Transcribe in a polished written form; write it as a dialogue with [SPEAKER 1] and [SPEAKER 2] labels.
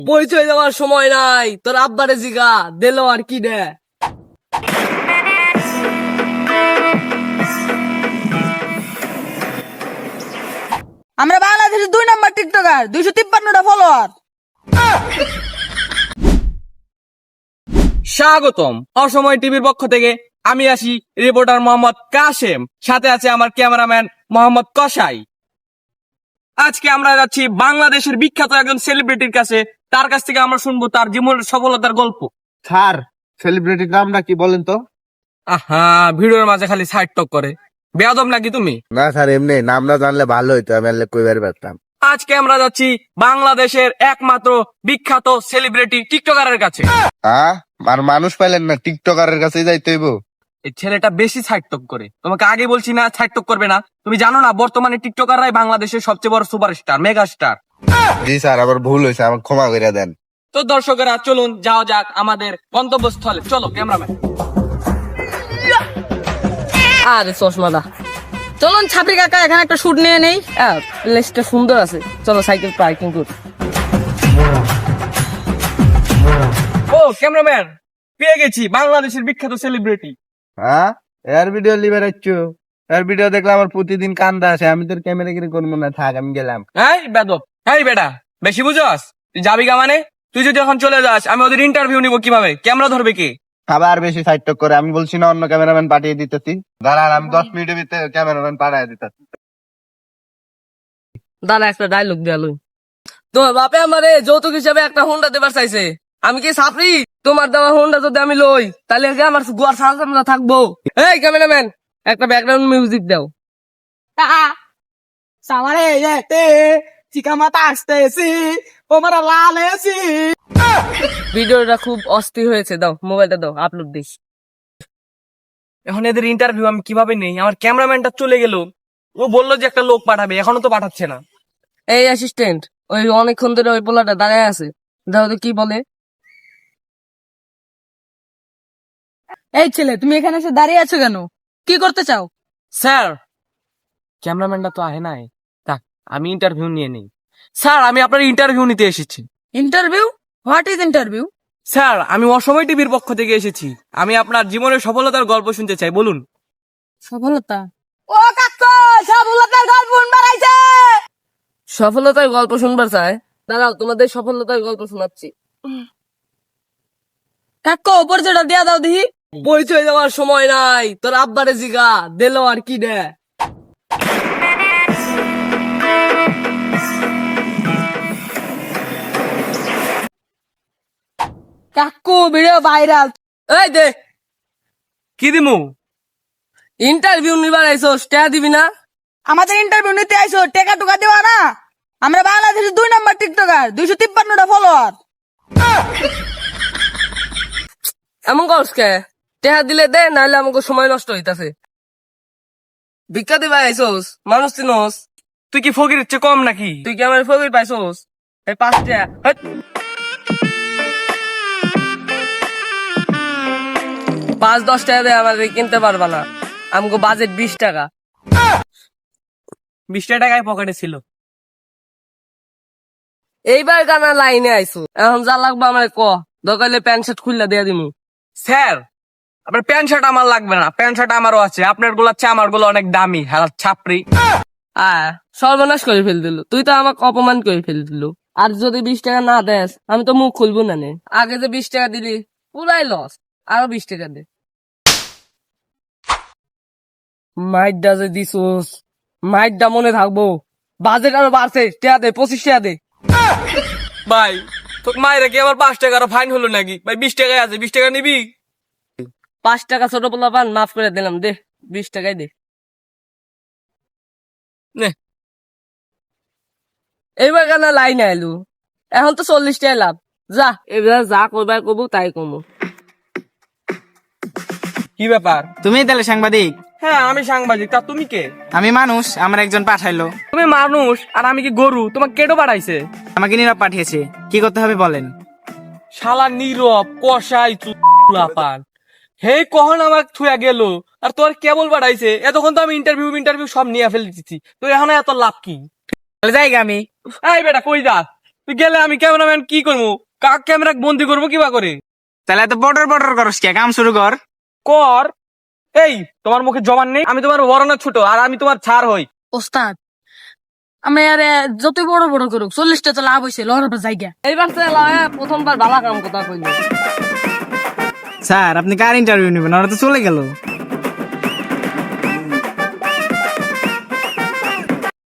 [SPEAKER 1] পরিচয় দেওয়ার সময় নাই, তোর আব্বারে জিগা দিল আর কি দে।
[SPEAKER 2] আমরা বাংলাদেশের 2 নম্বর টিকটকার, 253টা ফলোয়ার।
[SPEAKER 3] স্বাগতম অসময় টিভির পক্ষ থেকে। আমি আসি রিপোর্টার মোহাম্মদ কাশেম, সাথে আছে আমার ক্যামেরাম্যান মোহাম্মদ কসাই। আজকে আমরা যাচ্ছি বাংলাদেশের বিখ্যাত একজন সেলিব্রিটির কাছে। তার কাছ থেকে আমরা শুনবো তার জীবনের সফলতার গল্প।
[SPEAKER 4] স্যার, সেলিব্রিটির নামটা কি বলেন তো?
[SPEAKER 3] আহা, ভিডিওর মাঝে খালি সাইড টক করে। বেয়াদব নাকি তুমি?
[SPEAKER 4] না স্যার, এমনি নামটা জানলে ভালো হইতো, আমি আনলে কইবার পারতাম।
[SPEAKER 3] আজকে আমরা যাচ্ছি বাংলাদেশের একমাত্র বিখ্যাত সেলিব্রিটি টিকটকারের কাছে।
[SPEAKER 4] আর মানুষ পাইলেন না, টিকটকারের কাছে যাইতে হইব?
[SPEAKER 3] এই ছেলেটা বেশি সাইড টক করে। তোমাকে আগে বলছি না সাইড টক করবে না? তুমি জানো না বর্তমানে টিকটকাররাই বাংলাদেশের সবচেয়ে বড় সুপারস্টার, মেগা স্টার।
[SPEAKER 4] জি স্যার, আবার ভুল হয়েছে, আমাকে ক্ষমা করে দেন।
[SPEAKER 3] তো দর্শকেরা চলুন যাওয়া যাক আমাদের গন্তব্যস্থলে। চলো ক্যামেরাম্যান।
[SPEAKER 1] আরে চশমাদা, চলুন ছাপি কাকা এখানে একটা শুট নিয়ে নেই। প্লেসটা সুন্দর আছে, চলো সাইকেল পার্কিং করি।
[SPEAKER 3] ও ক্যামেরাম্যান, পেয়ে গেছি বাংলাদেশের বিখ্যাত সেলিব্রিটি।
[SPEAKER 4] এর ভিডিও লিবার আইছো? এর ভিডিও দেখলে আমার প্রতিদিন কান্দা আসে, আমি তোর ক্যামেরা কিনে করবো না, থাক আমি গেলাম।
[SPEAKER 3] এই বেদব, এই বেটা বেশি বুঝস? তুই যাবি গা মানে? তুই যদি এখন চলে যাস আমি ওদের ইন্টারভিউ নিব কিভাবে? ক্যামেরা ধরবে কি?
[SPEAKER 4] আবার বেশি সাইড টক করে, আমি বলছি না অন্য ক্যামেরাম্যান পাঠিয়ে দিতেছি। দাঁড়ান, আমি 10 মিনিটের ভিতরে ক্যামেরাম্যান পাঠিয়ে দিতেছি।
[SPEAKER 1] দাদা একটা ডায়লগ দেয়াল, তোমার বাপে আমারে যৌতুক হিসাবে একটা হোন্ডা দেবার চাইছে। আমি কি সাপরি? তোমার দেওয়া হোন্ডা যদি আমি লই তাহলে কি আমার গোয়ার সালসামলা থাকবো? এই ক্যামেরাম্যান, একটা ব্যাকগ্রাউন্ড মিউজিক দাও।
[SPEAKER 2] সামারে যেতে চিকা মাথা আসতেছি, ওমারা লাল এসি।
[SPEAKER 1] ভিডিওটা খুব অস্থির হয়েছে, দাও মোবাইলটা দাও, আপলোড দিস।
[SPEAKER 3] এখন এদের ইন্টারভিউ আমি কিভাবে নেই? আমার ক্যামেরাম্যানটা চলে গেল। ও বললো যে একটা লোক পাঠাবে, এখনো তো পাঠাচ্ছে না।
[SPEAKER 1] এই অ্যাসিস্ট্যান্ট, ওই অনেকক্ষণ ধরে ওই পোলাটা দাঁড়ায় আছে, দাও তো কি বলে।
[SPEAKER 2] এই ছেলে, তুমি এখানে এসে দাঁড়িয়ে আছো কেন? কি করতে চাও?
[SPEAKER 3] স্যার, ক্যামেরাম্যানটা তো আহে নাই, থাক আমি ইন্টারভিউ নিয়ে নেই। স্যার, আমি আপনার ইন্টারভিউ নিতে এসেছি।
[SPEAKER 2] Interview? What is interview?
[SPEAKER 3] Sir, আমি অসময় টিভির পক্ষ থেকে এসেছি। আমি আপনার জীবনের সফলতার গল্প শুনতে চাই, বলুন।
[SPEAKER 2] সফলতা? ও কাকু, সফলতার গল্প বাড়াইছে।
[SPEAKER 1] সফলতার গল্প শুনবার চায়? দাঁড়াও, তোমাদের সফলতার গল্প শোনাচ্ছি।
[SPEAKER 2] কাকু, পরিচয়টা দিয়া দাও দেখি।
[SPEAKER 1] পরিচয় দেওয়ার সময় নাই, তোর আব্বারে জিগা দিল আর কি দে।
[SPEAKER 2] কাকু, ভিডিও ভাইরাল।
[SPEAKER 1] এই দে,
[SPEAKER 3] কি দিমু?
[SPEAKER 1] ইন্টারভিউ নিবার আইসোস, টাকা দিবি না?
[SPEAKER 2] আমাদের ইন্টারভিউ নিতে আইসো, টেকা টুকা দেওয়া না? আমরা বাংলাদেশের 2 নম্বর টিকটকার, 253টা ফলোয়ার।
[SPEAKER 1] এমন করস কে? টাকা দিলে দে, নাহলে আমাকে সময় নষ্ট হইতাছে। ভিক্ষা দিবা আইসোস, মানুষ চিনোস?
[SPEAKER 3] তুই কি ফকির চেয়ে কম নাকি?
[SPEAKER 1] তুই কি আমার ফকির পাইছোস? এই 5 টাকা, হেৎ। 5-10 টাকা দিয়ে আমাদের কিনতে পারবা না, আমাকে বাজেট 20 টাকা।
[SPEAKER 3] 20 টাকায় পকেটে ছিল।
[SPEAKER 1] এইবার গানা লাইনে আইসো, এখন যা লাগবে আমার ক, দরকার প্যান্ট শার্ট খুললা দিয়ে দিমু।
[SPEAKER 3] স্যার, আপনার প্যান্ট শার্ট আমার লাগবে না, প্যান্ট শার্ট আমারও আছে। আপনার গুলো আছে, আমার গুলো অনেক দামি। হ্যাঁ ছাপরি।
[SPEAKER 1] সর্বনাশ করে ফেল দিল, তুই তো আমাকে অপমান করে ফেল দিল। আর যদি 20 টাকা না দেস আমি তো মুখ খুলবো না নে। আগে যে 20 টাকা দিলি পুরাই লস, আরো 20 টাকা দে। মাইটটা যে দিছোস, মাইটটা মনে থাকবো। বাজেট আরো বাড়ছে, টাকা দে, 25 টাকা দে।
[SPEAKER 3] ভাই, তোর মায়ের কি আবার 5 টাকা ফাইন হলো নাকি? ভাই 20 টাকায় আছে, 20 টাকা নিবি?
[SPEAKER 1] 5 টাকা ছোট পোলা পান, মাফ করে দিলাম, দে 20 টাকাই দে।
[SPEAKER 3] নে।
[SPEAKER 1] এইবার কেন লাইন আইলু, এখন তো 40 টাকা লাভ। যা এবার যা করবার করবো তাই কমো।
[SPEAKER 3] কি ব্যাপার?
[SPEAKER 5] তুমি তাহলে সাংবাদিক?
[SPEAKER 3] হ্যাঁ আমি সাংবাদিক, তা তুমি কে?
[SPEAKER 5] আমি মানুষ, আমার একজন পাঠাইলো।
[SPEAKER 3] তুমি মানুষ আর আমি কি গরু? তোমাকে কেটো পাঠাইছে?
[SPEAKER 5] আমাকে নীরব পাঠিয়েছে, কি করতে হবে বলেন?
[SPEAKER 3] শালা নীরব কষাই চুলাপান। হে কখন আমাকে থুয়া গেল, আর তোর কেবল পাঠাইছে? এতক্ষণ তো আমি ইন্টারভিউ সব নিয়ে ফেলে দিচ্ছি, তো এখন এত লাভ কি?
[SPEAKER 5] তাহলে যাই গে আমি।
[SPEAKER 3] এই বেটা কই যাস? তুই গেলে আমি ক্যামেরাম্যান কি করবো? কাক ক্যামেরা বন্দি করবো কিবা করে?
[SPEAKER 5] তাহলে এত বটর বটর করস কে? কাম শুরু কর।
[SPEAKER 3] কর। এই তোমার মুখে জবান নেই? আমি তোমার বড় না ছোট, আর আমি তোমার ছাড় হই।
[SPEAKER 2] ওস্তাদ আমি আরে যত বড় বড় করুক 40টা তো লাভ হয়েছে লড়ার জায়গা।
[SPEAKER 1] এইবার তো এলা, প্রথমবার ভালো কাম কথা কইলি।
[SPEAKER 5] স্যার আপনি কার ইন্টারভিউ নেবেন? ওরা তো চলে গেল।